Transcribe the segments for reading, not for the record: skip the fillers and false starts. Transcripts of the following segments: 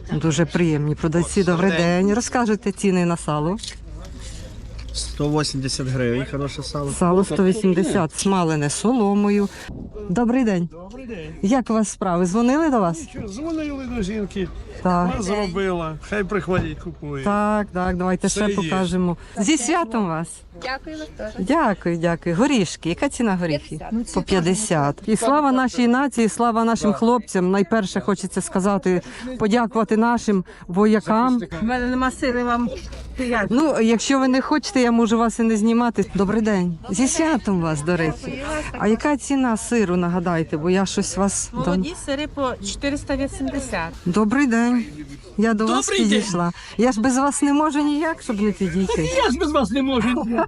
Дуже приємні продавці. Добрий день. Розкажете ціни на сало? 180 гривень, хороше сало. Сало 180, смалене соломою. Добрий день. Добрий день. Як у вас справи? Дзвонили до вас? Дзвонили до жінки, Так. вона зробила, хай приходять, купує. Так, давайте Все ще є. покажемо. Зі святом вас. Дякую вам теж. Дякую. Горішки. Яка ціна горіхів? По 50. І слава нашій нації, слава нашим хлопцям. Найперше хочеться сказати, подякувати нашим воякам. У мене нема сили вам. Ну, якщо ви не хочете, я можу вас і не знімати. Добрий день. Зі святом вас, до речі. А яка ціна сиру, нагадайте, бо я щось вас... Молоді сири по 480. Добрий день. Я до вас підійшла. Я ж без вас не можу ніяк, щоб не підійти. Я ж без вас не можу.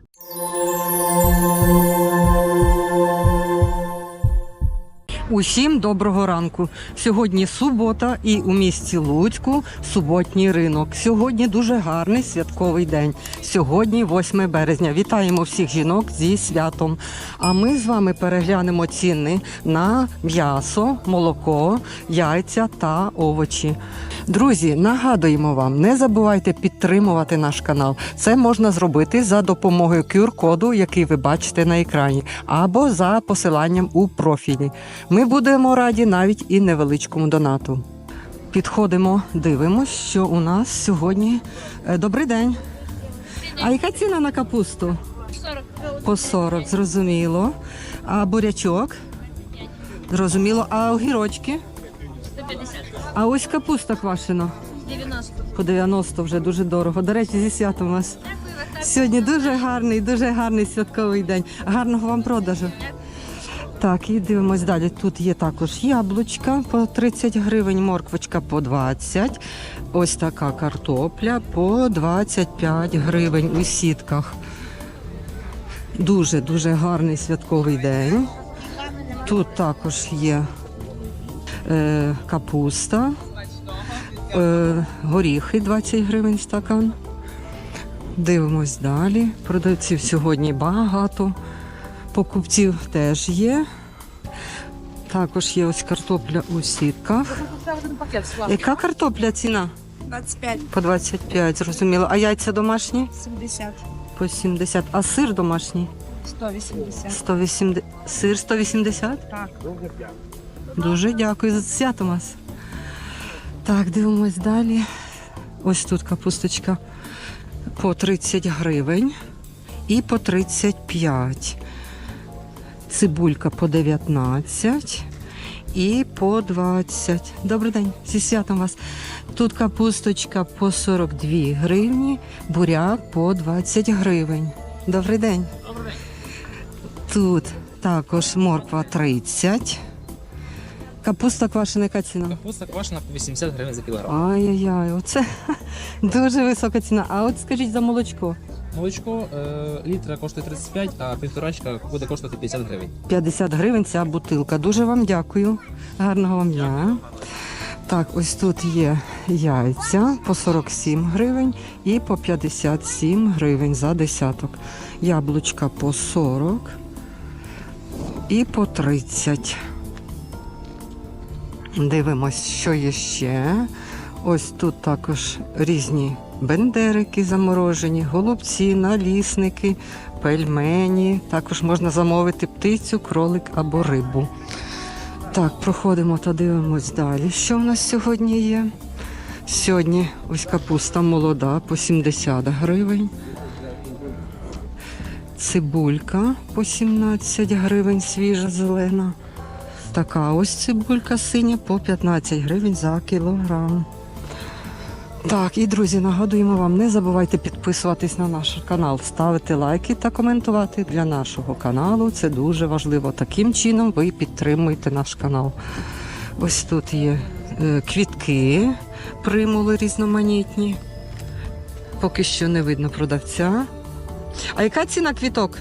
Усім доброго ранку. Сьогодні субота і у місті Луцьку суботній ринок. Сьогодні дуже гарний святковий день. Сьогодні 8 березня. Вітаємо всіх жінок зі святом. А ми з вами переглянемо ціни на м'ясо, молоко, яйця та овочі. Друзі, нагадуємо вам, не забувайте підтримувати наш канал. Це можна зробити за допомогою QR-коду, який ви бачите на екрані, або за посиланням у профілі. Ми будемо раді навіть і невеличкому донату. Підходимо, дивимось, що у нас сьогодні. Добрий день. А яка ціна на капусту? 40. По 40, зрозуміло. А бурячок? Зрозуміло. А огірочки? 150. А ось капуста квашена. 90. По 90 вже дуже дорого. До речі, зі святом вас. Сьогодні дуже гарний святковий день. Гарного вам продажу. Так, і дивимось далі. Тут є також яблучка по 30 гривень, морквочка по 20. Ось така картопля по 25 гривень у сітках. Дуже гарний святковий день. Тут також є капуста, горіхи 20 гривень стакан. Дивимось далі. Продавців сьогодні багато. Покупців теж є. Також є ось картопля у сітках. Яка картопля ціна? 25. По 25, зрозуміло. А яйця домашні? 70. По 70. А сир домашній? 180. 180. Сир 180? Так. Дуже дякую за свято вас. Так, дивимось далі. Ось тут капусточка по 30 гривень і по 35. Цибулька по 19 і по 20. Добрий день, зі святом вас. Тут капусточка по 42 гривні, буряк по 20 гривень. Добрий день. Тут також морква 30. Капуста квашена, яка ціна? Капуста квашена по 80 гривень за кілограм. Ай-яй-яй, оце дуже висока ціна. А от скажіть за молочко. Молочко літра коштує 35, а півторачка буде коштувати 50 гривень. 50 гривень ця бутилка. Дуже вам дякую. Гарного вам дня. Так, ось тут є яйця по 47 гривень і по 57 гривень за десяток. Яблучка по 40 і по 30. Дивимось, що є ще. Ось тут також різні бендерики заморожені, голубці, налісники, пельмені. Також можна замовити птицю, кролик або рибу. Так, проходимо та дивимось далі. Що в нас сьогодні є? Сьогодні ось капуста молода по 70 гривень. Цибулька по 17 гривень, свіжа зелена. Така ось цибулька синя по 15 гривень за кілограм. Так, і, друзі, нагадуємо вам, не забувайте підписуватись на наш канал, ставити лайки та коментувати для нашого каналу. Це дуже важливо. Таким чином ви підтримуєте наш канал. Ось тут є квітки, примули різноманітні. Поки що не видно продавця. А яка ціна квіток?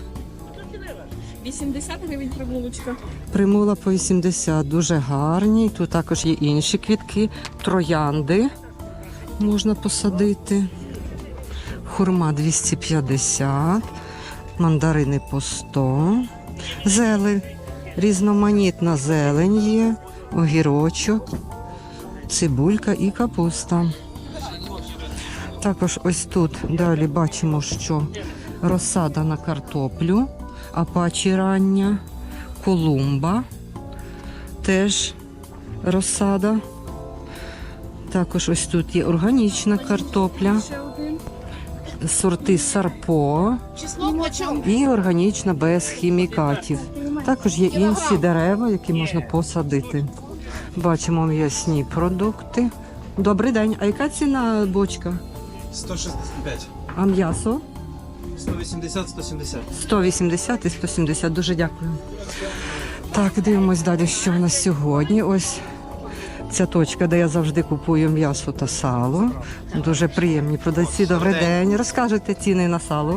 80 гривень примулочка. Примула по 80, дуже гарні. Тут також є інші квітки, троянди можна посадити. Хурма 250, мандарини по 100. Зелень, різноманітна зелень є, огірочок. цибулька і капуста. Також ось тут далі бачимо, що розсада на картоплю, апачі рання, колумба, теж розсада. Також ось тут є органічна картопля, сорти Сарпо і органічна без хімікатів. Також є інші дерева, які можна посадити. Бачимо м'ясні продукти. Добрий день. А яка ціна бочка? 165. А м'ясо? 180, 170. 180 і 170. Дуже дякую. Так, дивимось далі, що в нас сьогодні. Ось ця точка, де я завжди купую м'ясо та сало. Дуже приємні продавці. Добрий день. Розкажете ціни на сало?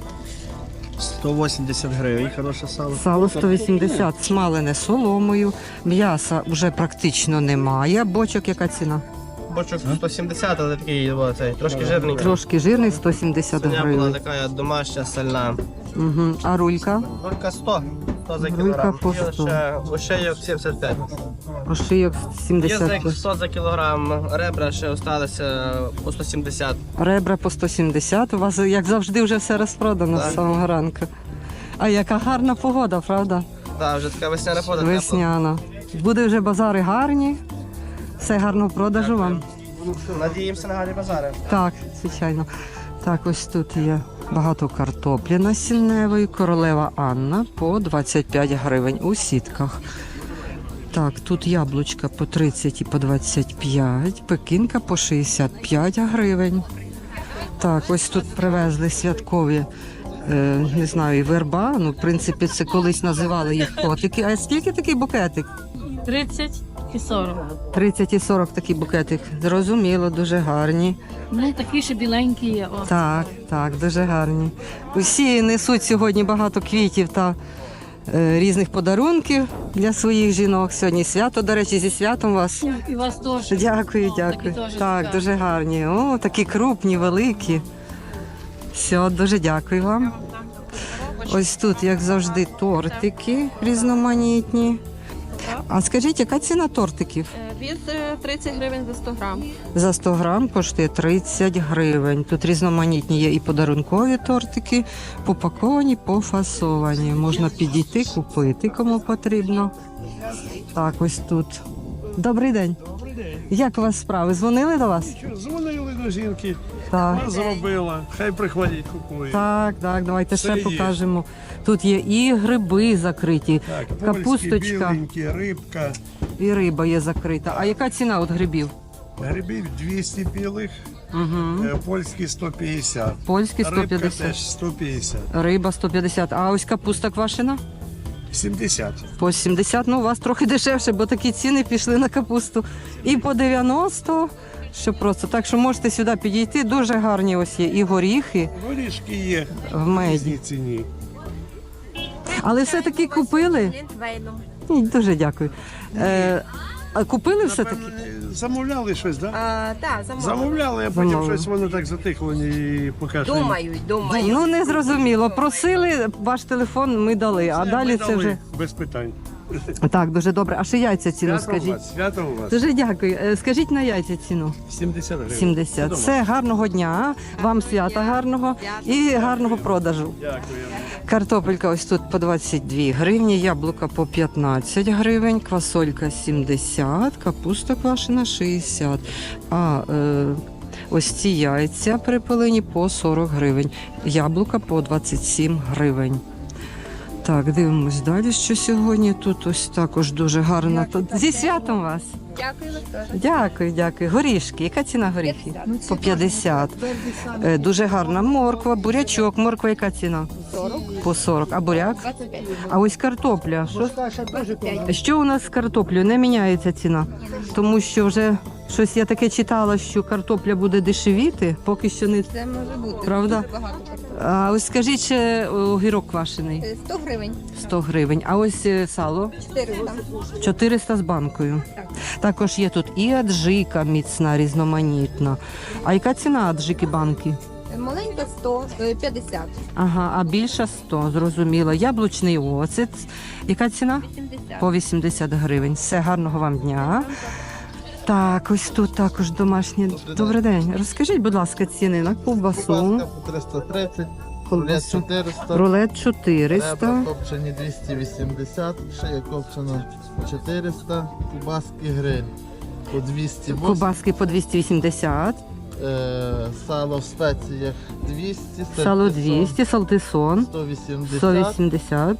180 гривень, хороше сало. Сало 180, смалене соломою. М'яса вже практично немає. Бочок яка ціна? Бочок 170, але такий цей, трошки жирний. Трошки жирний, 170 Свиня була гривень. така домашня, сальна. Угу. А рулька? Рулька 100. 100 за Рулька кілограм. по І 100. ошейок 75. Ошийок Язик 70. 100 за кілограм, ребра ще залишилися по 170. Ребра по 170. У вас, як завжди, вже все розпродано з самого ранку. А яка гарна погода, правда? Так, вже така весняна погода. Весняна. Буде вже базари гарні. Все гарного продажу вам. Надіємося на гарні базари. Так, звичайно. Так, ось тут є багато картоплі насінневої. Королева Анна по 25 гривень у сітках. Так, тут яблучка по 30 і по 25, пекінка по 65 гривень. Так, ось тут привезли святкові, не знаю, верба. Ну, в принципі, це колись називали їх котики. А скільки такий букетик? 30 і 40. 30 і 40 такий букетик. Зрозуміло, дуже гарні. Ну, такі ще біленькі є. О. Так, так, дуже гарні. Усі несуть сьогодні багато квітів та різних подарунків для своїх жінок. Сьогодні свято, до речі, зі святом вас. І вас теж. Дякую, Такі дякую. теж Так, цікаві. дуже гарні. О, такі крупні, великі. Все, дуже дякую вам. Ось тут, як завжди, тортики різноманітні. А скажіть, яка ціна тортиків? Від 30 гривень за 100 грам. За 100 грам коштує 30 гривень. Тут різноманітні є і подарункові тортики, попаковані, пофасовані. Можна підійти, купити, кому потрібно. Так, ось тут. Добрий день. Як у вас справи? Дзвонили до вас? Дзвонили до жінки, Так. вона зробила, хай приходять, купують. Так, так, давайте ще Все є. покажемо. Тут є і гриби закриті, Так, польські, капусточка біленькі, рибка, і риба є закрита. А яка ціна от грибів? грибів 200 білих, Угу. польські 150. Польські Рибка 150. теж 150. Риба 150. А ось капуста квашена? 70. По 70, ну у вас трохи дешевше, бо такі ціни пішли на капусту. І по 90, що просто. Так що можете сюди підійти, дуже гарні ось є і горіхи Горішки є в в меді. різній ціні. Але все-таки купили? Ні, дуже дякую. А купили все-таки? Напевно, замовляли щось, так? Так, замовлю. Замовляли, а потім Замовили. щось воно так затихло і поки що. Думаю. Ну не зрозуміло. Просили, ваш телефон ми дали, а Все, далі ми це дали, вже. без питань. Так, дуже добре. А ще яйця ціну Свято у скажіть. вас, свято у вас. Дуже дякую. Скажіть на яйця ціну. 70 гривень. 70. Все, гарного дня, вам свята гарного і гарного продажу. Дякую. Картопелька ось тут по 22 гривні, яблука по 15 гривень, квасолька 70, капуста квашена 60. А ось ці яйця припилені по 40 гривень, яблука по 27 гривень. Так, дивимось далі, що сьогодні тут ось також дуже гарно. Зі святом вас! Дякую вас теж. Дякую, дякую. Горішки. Яка ціна горіхів? По 50. Дуже гарна морква, бурячок. Морква яка ціна? 40. По 40. А буряк? 25. А ось картопля. Що, 25. що у нас з картоплею? Не міняється ціна. Тому що вже щось я таке читала, що картопля буде дешевіти, поки що не. Це може бути. Правда? Дуже багато картоплі. А ось скажіть, ще огірок квашений 100 гривень. 100 гривень. А ось сало 400. 400 з банкою. Також є тут і аджика міцна, різноманітна. А яка ціна аджики банки? Маленька 100, 50. Ага, а більша 100, зрозуміло. Яблучний оцет. Яка ціна? 80. По 80 гривень. Все, гарного вам дня. Так, ось тут також домашнє. Добрий день. Розкажіть, будь ласка, ціни на ковбасу. Ковбаска по 330, рулет Колбасу. 400, Рулет 400. ребра копчені 280, шия копчена 400, кубаски гриль по 280, Ковбаски по 280. сало в спеціях 200, Сало сальтисон 200, салтисон 180, 180.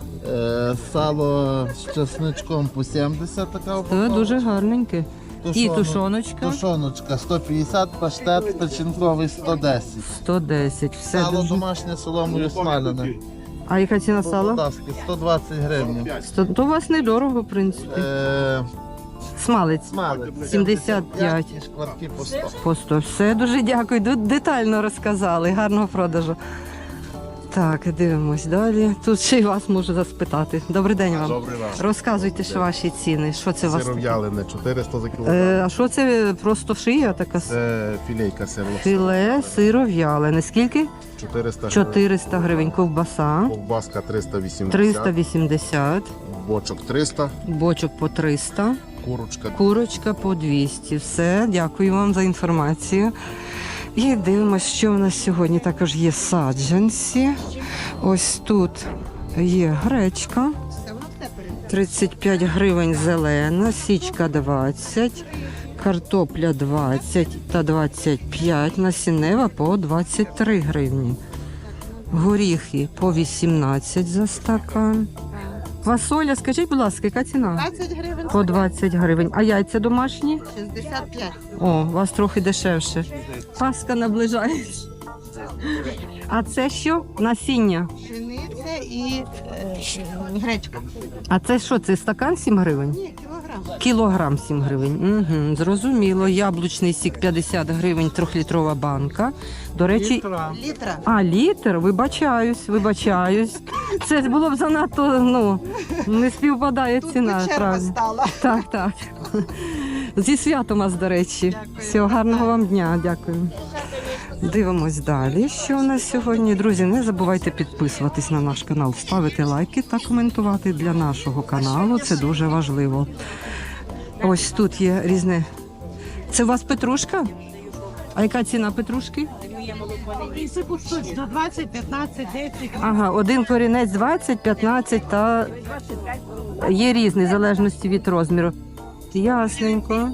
сало з чесничком по 70, така Це упаковка. дуже гарненьке. І тушоночка Тушоночка 150, паштет печінковий 110. 110. Все Сало дуже. домашнє соломою смалене. А яка ціна сала? Полтавське 120 гривень. То у вас недорого, в принципі. Смалець Смалець 75. і шкварки по 100. По 100. Все, дуже дякую. Детально розказали. Гарного продажу. Так, дивимось далі. Тут ще й вас можу заспитати. Добрий день вам. Добрий вечір. Розказуйте, що ваші ціни. Що це у вас? Сиров'ялене 400 за кілограм. А що це просто шия така? Це філейка сирло. Філе сиров'ялене. Скільки? 400 гривень. 400 гривень. Ковбаса. Ковбаска 380. 380. Бочок 300. Бочок по 300. Курочка. Курочка по 200. Все, дякую вам за інформацію. І дивимося, що у нас сьогодні також є саджанці. Ось тут є гречка. 35 гривень зелена, січка 20, картопля 20 та 25, насіннева по 23 гривні. Горіхи по 18 за стакан. Квасоля, скажіть, будь ласка, яка ціна? 20 гривень. По 20 гривень. А яйця домашні? 65. О, у вас трохи дешевше. Пасха наближається. А це що? Насіння. Пшениця і гречка. А це що? Це стакан 7 гривень? Ні, кілограм. Кілограм 7 гривень. Угу, зрозуміло. Яблучний сік 50 гривень, 3-літрова банка. До речі, Літра. а літр, вибачаюсь. Це було б занадто, не співпадає Тут ціна. би черга правда. стала. Так. Зі святом вас, до речі. Всього гарного вам дня, дякую. Дивимось далі, що у нас сьогодні. Друзі, не забувайте підписуватись на наш канал, ставити лайки та коментувати для нашого каналу. Це дуже важливо. Ось тут є різне. Це у вас петрушка? А яка ціна петрушки? 20, 15, 10. Ага, один корінець 20, 15 та є різний, в залежності від розміру. Ясненько.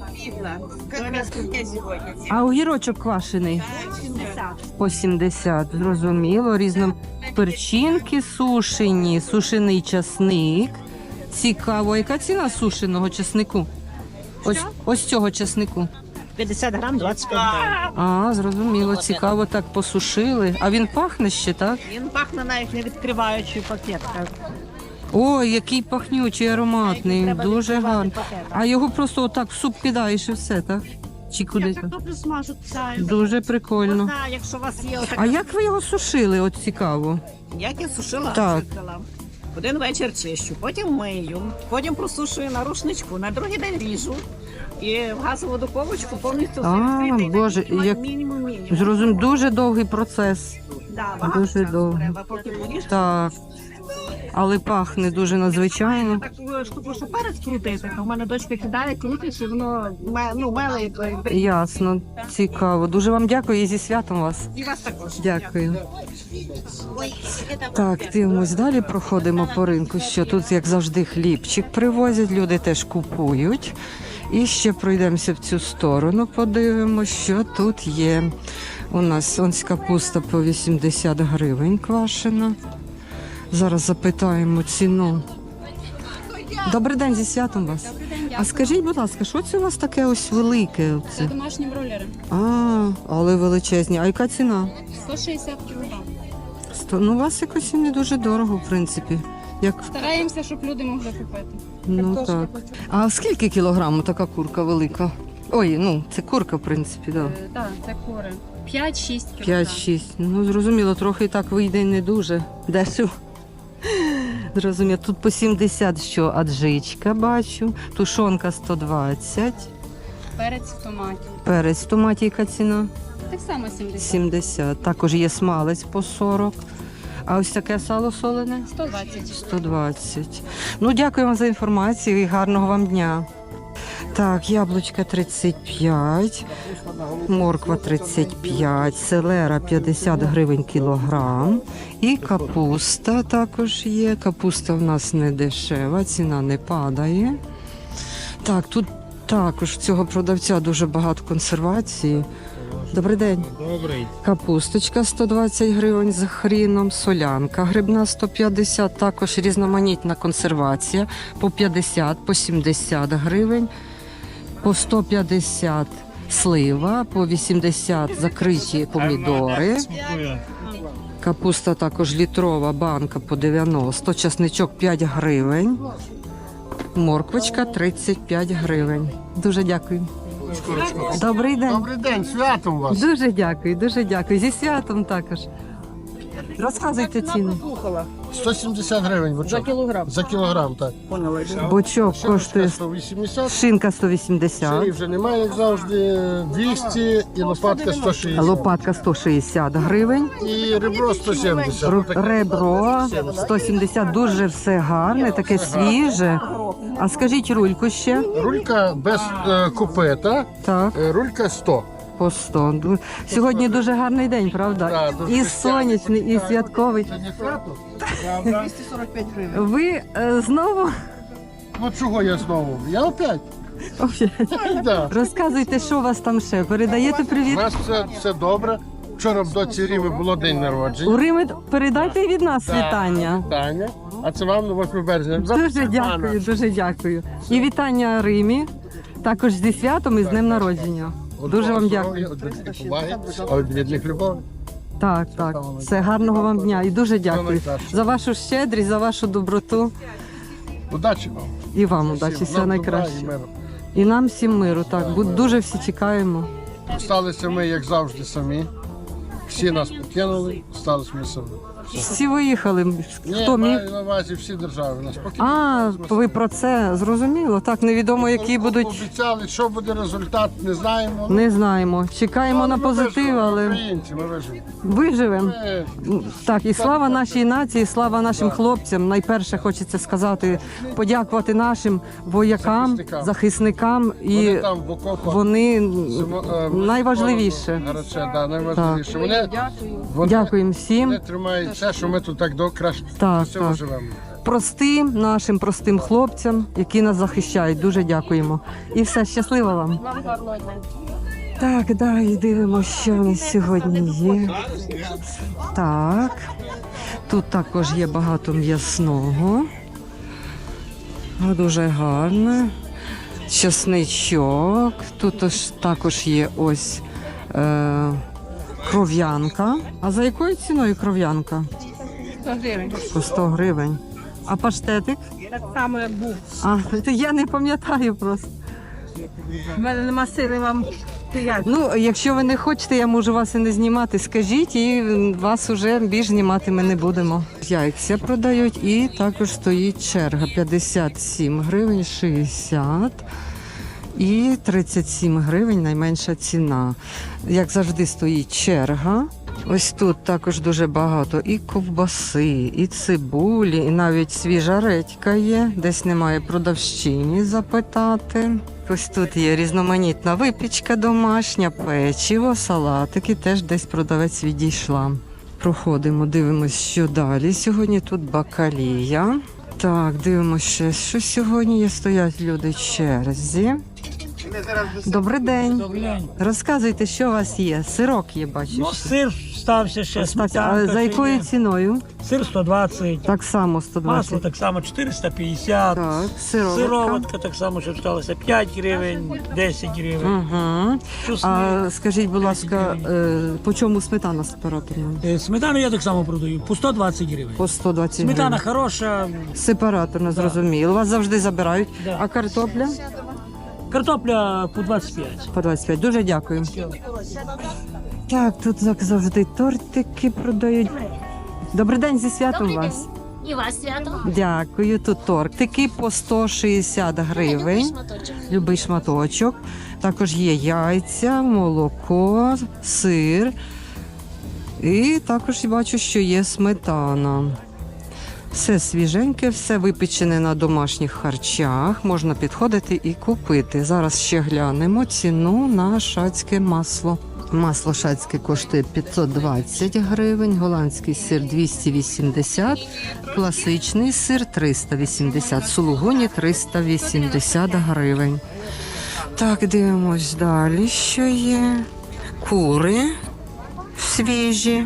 А огірочок квашений? По 70, зрозуміло. Різно перчинки сушені, сушений часник. Цікаво, яка ціна сушеного часнику? Ось цього часнику. 50 грам, 25 гривень. А, зрозуміло, цікаво, так посушили. А він пахне ще, так? Він пахне навіть не відкриваючи пакетка. Ой, який пахнючий, ароматний, Треба дуже відкривати гарний. пакет. А його просто отак в суп кидаєш і все, так? Чи куди? Картоплю смажу, псаю. Дуже прикольно. Якщо у вас є А отака, як ви його сушили? От цікаво. як я сушила, Так. чистила. Один вечір чищу, потім мию, потім просушую на рушничку, на другий день ріжу. І в газову духовочку повністю відкритий. Боже, як- мінімум. Зрозуміло, дуже довгий процес. Да, багато дуже часу довго. треба, поки поріжеш. Так. Але пахне дуже надзвичайно. Так штуку, що перець крутити. У мене дочка кидає, крутить, і воно меле. Ясно, цікаво. Дуже вам дякую і зі святом вас. І вас також. Дякую. Так, дивимось далі, проходимо по ринку, що тут, як завжди, хлібчик привозять, люди теж купують. І ще пройдемося в цю сторону, подивимося, що тут є. У нас ось капуста по 80 гривень квашена. Зараз запитаємо ціну. Добрий день, зі святом вас. А скажіть, будь ласка, що це у вас таке ось велике? Це домашні бройлери. Але величезні. А яка ціна? 160 кг. Ну, у вас якось і не дуже дорого, в принципі. Як... Стараємося, щоб люди могли купити. Ну так. А скільки кілограму така курка велика? Ой, це курка, в принципі, так. Так, це кури. 5-6 кг. 5-6. Ну, зрозуміло, трохи так вийде не дуже дешево. Зрозуміло. Тут по 70 що аджичка бачу, тушонка 120, Перець в томаті. перець в томаті, яка ціна? Так само 70. 70. Також є смалець по 40. А ось таке сало солене? 120. 120. Ну, дякую вам за інформацію і гарного вам дня. Так, яблучка 35, морква 35, селера 50 гривень кілограм. І капуста також є. Капуста в нас не дешева, ціна не падає. Так, тут також в цього продавця дуже багато консервації. Добрий день. Добрий. Капусточка 120 гривень з хріном, солянка грибна 150, також різноманітна консервація по 50, по 70 гривень, по 150 слива, по 80 закриті помідори. Капуста також літрова банка по 90, часничок 5 гривень, морквочка 35 гривень. Дуже дякую. Добрий день. Добрий день, святом вас. Дуже дякую, дуже дякую. Зі святом також. Розказуйте ціни. 170 гривень бочок. За кілограм, так. Бочок коштує Коштує 180. шинка 180, Шиї вже немає, як завжди, 200 і лопатка 160. лопатка 160 гривень, І ребро 170. ребро 170, дуже все гарне, таке свіже. А скажіть рульку ще? Рулька без купета, Так, рулька 100. по 100. Сьогодні дуже гарний день, правда? Так, дуже І сонячний, і святковий. Це не свято? 245 гривень. Ви знову? Ну чого я знову? Я опять. Да. Розказуйте, що у вас там ще? Передаєте У привіт? нас все добре. Вчора в доці Ріми було день народження. У Римі передайте від нас Так, вітання. Вітання. А це вам на 8 березня. Дуже дякую, дуже дякую. І вітання Римі, також зі святом і з днем народження. Дуже вам дякую. А від рідних любов. Так, так. Все, гарного вам дня і дуже дякую найкраще. за вашу щедрість, за вашу доброту. Удачі вам. І вам удачі, Всім. все Нам найкраще. добра і миру. І нам всім миру, так. Дуже всі чекаємо. Сталися ми, як завжди, самі. Всі нас покинули, сталися ми самі. Всі виїхали. Хто Ні, міг? маю на увазі всі держави нас покинули. А, ви про це зрозуміло. Так, невідомо, які будуть. Обіцяли, що буде результат, не знаємо. Не знаємо. Чекаємо на Ми позитив, виживемо, але українці, ми виживемо. виживемо. Ми Так, і слава нашій нації, слава нашим хлопцям. Найперше хочеться сказати, подякувати нашим воякам, захисникам. Вони І там в окопах. вони Симо- найважливіше. Гаряче, да, найважливіше. Вони Дякуємо всім. Вони тримають все, що ми тут так до краще Так, всього так. живемо. Простим нашим простим хлопцям, які нас захищають. Дуже дякуємо. І все, щасливо вам. Так, далі дивимося, що у нас сьогодні є. Так. Тут також є багато м'ясного. Дуже гарне. Чесничок. Тут також є ось кров'янка. А за якою ціною кров'янка? 100 гривень. По 100 гривень. А паштетик? Так само, як був. А, я не пам'ятаю просто. У мене нема сили вам стояти. Ну, якщо ви не хочете, я можу вас і не знімати. Скажіть, і вас уже більш знімати ми не будемо. Яйця продають і також стоїть черга. 57 гривень, 60 і 37 гривень найменша ціна. Як завжди стоїть черга. Ось тут також дуже багато і ковбаси, і цибулі, і навіть свіжа редька є. Десь немає продавщині запитати. Ось тут є різноманітна випічка домашня, печиво, салатики. Теж десь продавець відійшла. Проходимо, дивимося, що далі. Сьогодні тут бакалія. Так, дивимося ще, що сьогодні є. Стоять люди в черзі. Добрий день. Розказуйте, що у вас є. Сирок є, бачу. Ну, ще. сир стався ще, А сметанка. за ще якою є. ціною? Сир 120, Так само масло 120. так само 450, Так, сироватка. сироватка так само, що сталося 5 гривень, 10 гривень. Угу. Чесник. А скажіть, будь ласка, по чому сметана сепараторна? Сметану я так само продаю, по 120 гривень. По 120 Сметана гривень. хороша, Сепараторна, зрозуміло. Вас завжди забирають. Да. А картопля? картопля по 25. По 25. Дуже дякую. Так, тут як завжди тортики продають. Добрий день, зі святом вас. І вас свято. Дякую. Тут тортики по 160 гривень. Любий шматочок. Також є яйця, молоко, сир. І також бачу, що є сметана. Все свіженьке, все випечене на домашніх харчах. Можна підходити і купити. Зараз ще глянемо ціну на шацьке масло. Масло шацьке коштує 520 гривень, голландський сир 280, класичний сир 380, сулугуні 380 гривень. Так, дивимось далі, що є. Кури свіжі.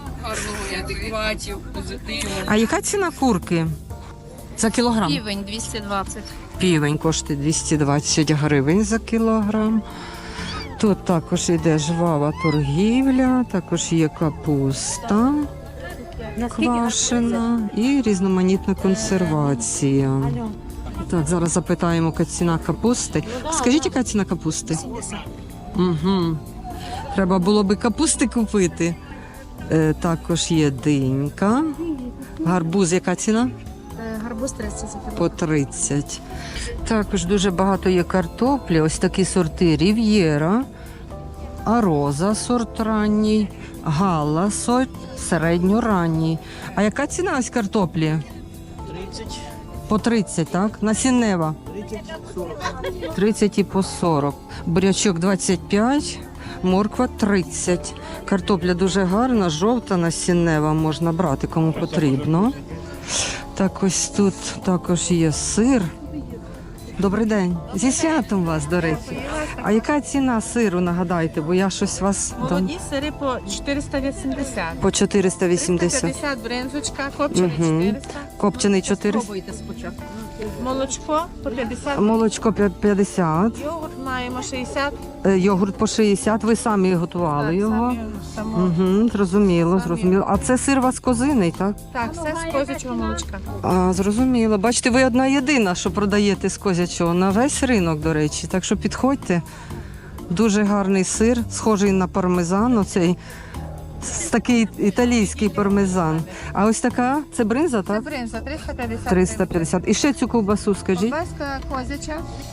А яка ціна курки? За кілограм? Півень 220. Півень коштує 220 гривень за кілограм. Тут також йде жвава торгівля, також є капуста квашена і різноманітна консервація. Так, зараз запитаємо, яка ціна капусти. Скажіть, яка ціна капусти? Угу. Треба було би капусти купити. Також є динька. Гарбуз, яка ціна? Гарбуз 30. По 30. Також дуже багато є картоплі. Ось такі сорти Рів'єра, Ароза сорт ранній, Галла сорт середньоранній. А яка ціна ось картоплі? 30, По 30, так? Насіннева? 30 і по 40. Бурячок 25, морква 30. Картопля дуже гарна, жовта, насіннева, можна брати, кому потрібно. Так, ось тут також є сир. Добрий день. Зі святом вас, до речі. А яка ціна сиру, нагадайте, бо я щось вас... Молоді сири по 480. По 480. 350 бринзочка, копчений Мгм. 400. Копчений 400. Спробуйте спочатку. Молочко по 50. Молочко 50. Йогурт маємо 60. Йогурт по 60. Ви самі готували Так, його? само. Угу, зрозуміло, Самі. зрозуміло. А це сир у вас козиний, так? Так, все з козячого молочка. А, зрозуміло. Бачите, ви одна єдина, що продаєте з козячого на весь ринок, до речі. Так що підходьте. Дуже гарний сир, схожий на пармезан. Оцей такий італійський пармезан. А ось така, це бринза, Це так? бринза 350. 350. І ще цю ковбасу скажіть. Ковбаска козяча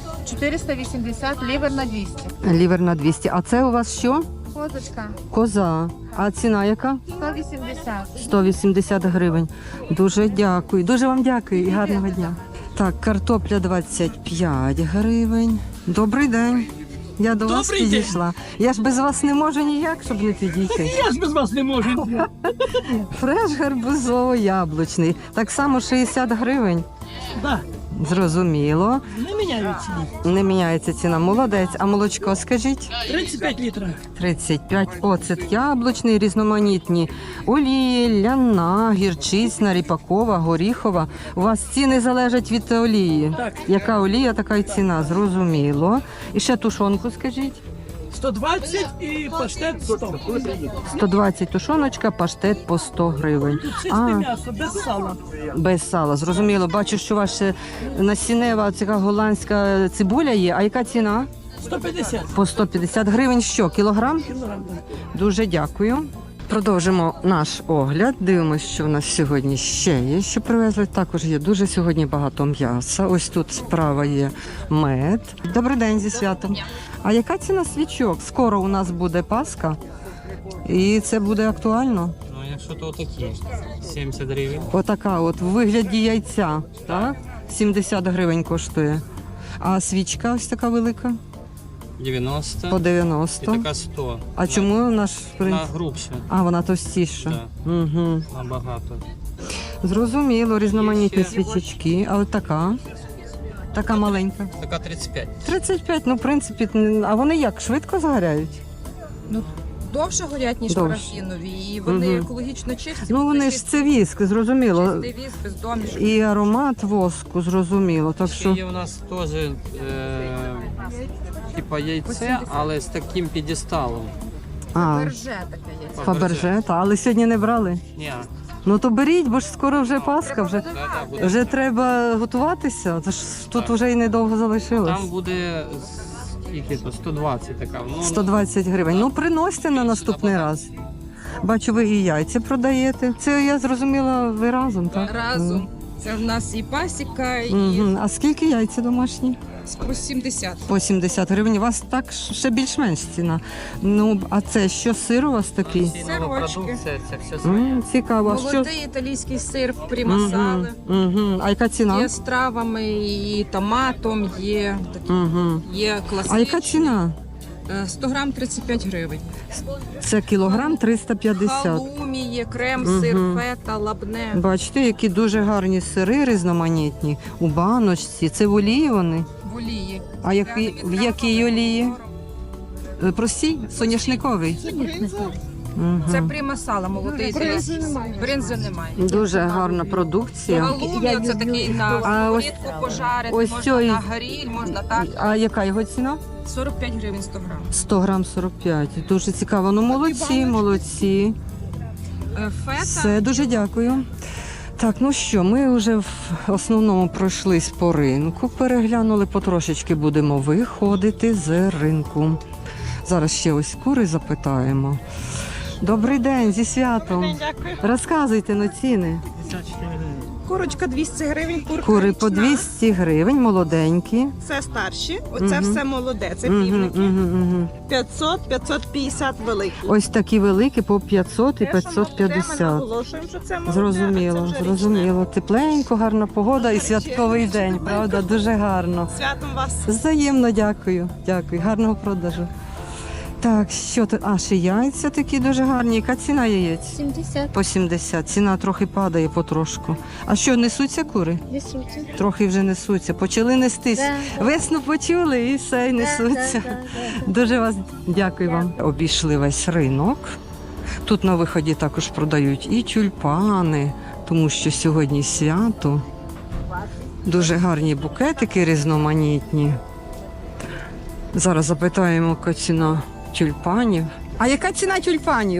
480, лівер на 200. Лівер на 200. А це у вас що? Козочка Коза. А ціна яка? 180. 180 гривень. Дуже дякую. Дуже вам дякую і гарного дня. Так, картопля 25 гривень. Добрий день. Я до вас Добрий день. підійшла. Я ж без вас не можу ніяк, щоб не підійти. Я ж без вас не можу. Фреш гарбузово-яблучний. Так само 60 гривень. Да, Зрозуміло. не міняють ціні. Не міняється ціна. Молодець. А молочко скажіть? 35 літрів. 35. Оцет яблучний, різноманітні. Олії, ляна, гірчицьна, ріпакова, горіхова. У вас ціни залежать від олії. Так. Яка олія, така й ціна, зрозуміло. І ще тушонку скажіть. 120 і паштет 100. 120 тушоночка, паштет по 100 гривень. Тут чисте м'ясо, без сала. Без сала, зрозуміло. Бачу, що ваша насінева, така голландська цибуля є. А яка ціна? 150 По 150 гривень що, кілограм? кілограм. Дуже дякую. Продовжимо наш огляд. Дивимося, що в нас сьогодні ще є, що привезли. Також є дуже сьогодні багато м'яса. Ось тут справа є мед. Добрий день зі святом. А яка ціна свічок? Скоро у нас буде Пасха. І це буде актуально. Ну, якщо то такі, 70 гривень. Отака от в вигляді яйця, так? 70 гривень коштує. А свічка ось така велика? 90 По і 90. така 100. А чому наш принц? Вона грубша. А, вона товстіша. Так. Угу. Набагато. Зрозуміло, різноманітні Ще. свічечки. А от така? Така маленька. Така 35. 35, ну в принципі, а вони як, швидко згоряють? Довше горять, ніж Довше. парафінові, і вони Мгм. екологічно чисті. Ну вони ж це віск, зрозуміло. Чистий віск, без домішок. І аромат воску, зрозуміло. Так Ще що є у нас теж типа яйце, але з таким підісталом. Берже таке є. Фаберже, але сьогодні не брали. Ні, Ну то беріть, бо ж скоро вже Пасха, вже, буде. вже треба готуватися. Тож тут Так. вже і недовго залишилось. Там буде скільки то 120 така. Ну, 120 гривень. Ну приносьте на наступний раз. Бачу, ви і яйця продаєте. Це я зрозуміла, ви разом, так? Разом. Це в нас і пасіка, і Угу. А скільки яйця домашні? По 70. По 70 гривень. У вас так ще більш-менш ціна. Ну, а це що, сир у вас такий? Сирочки. Це все своє. Цікаво. А що? Молодий італійський сир, примасали. Угу. А яка ціна? Є з травами, і томатом, є, Угу. є класичний. А яка ціна? 100 грам 35 гривень. Це кілограм 350. Халумі є, крем, сир, фета, лабне. Бачите, які дуже гарні сири різноманітні у баночці. Це в олії вони? В олії. А в якій олії? Простій? Соняшниковий? Мгм. Це примасала, молодий італійський сир. Бринзи немає. Дуже гарна продукція. Халумі це такий на А ось- сковорідку пожарити, ось можна цей- на гриль, можна так. А яка його ціна? 45 гривень 100 грам. 100 грам 45. Дуже цікаво. Ну молодці, молодці. Фета. Все, дуже дякую. Так, ну що, ми вже в основному пройшлись по ринку, переглянули, потрошечки будемо виходити з ринку. Зараз ще ось кури запитаємо. Добрий день, зі святом. Дякую. Розказуйте на ціни. Курочка 200 гривень, курка Кури по річна. 200 гривень, молоденькі. Це старші, оце Мгм. все молоде, це Мгм, півники. мгм. 500-550 великі. Ось такі великі по 500 і Те, що ми 550. наголошуємо, що це молоде, а це Зрозуміло, вже річне. зрозуміло. Тепленько, гарна погода і святковий день, правда? Дуже гарно. Святом вас. Взаємно дякую. Дякую. Гарного продажу. Так, що тут? А, ще яйця такі дуже гарні. Яка ціна яєць? 70. По 70. Ціна трохи падає потрошку. А що, несуться кури? Несуться. Трохи вже несуться. Почали нестись. Весну почули і все, і несуться. Дуже вас дякую вам. Обійшли весь ринок. Тут на виході також продають і тюльпани, тому що сьогодні свято. Дуже гарні букетики різноманітні. Зараз запитаємо, яка ціна тюльпанів. А яка ціна тюльпанів?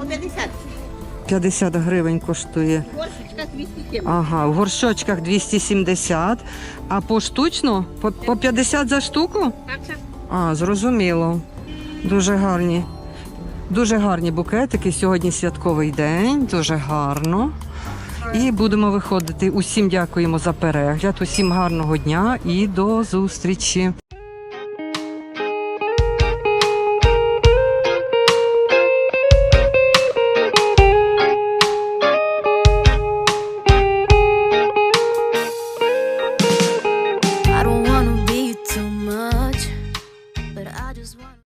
50 гривень коштує. Ага, в горшочках 270. А поштучно? По 50 за штуку? А, зрозуміло. Дуже гарні. Дуже гарні букетики. Сьогодні святковий день, дуже гарно. І будемо виходити. Усім дякуємо за перегляд, усім гарного дня і до зустрічі.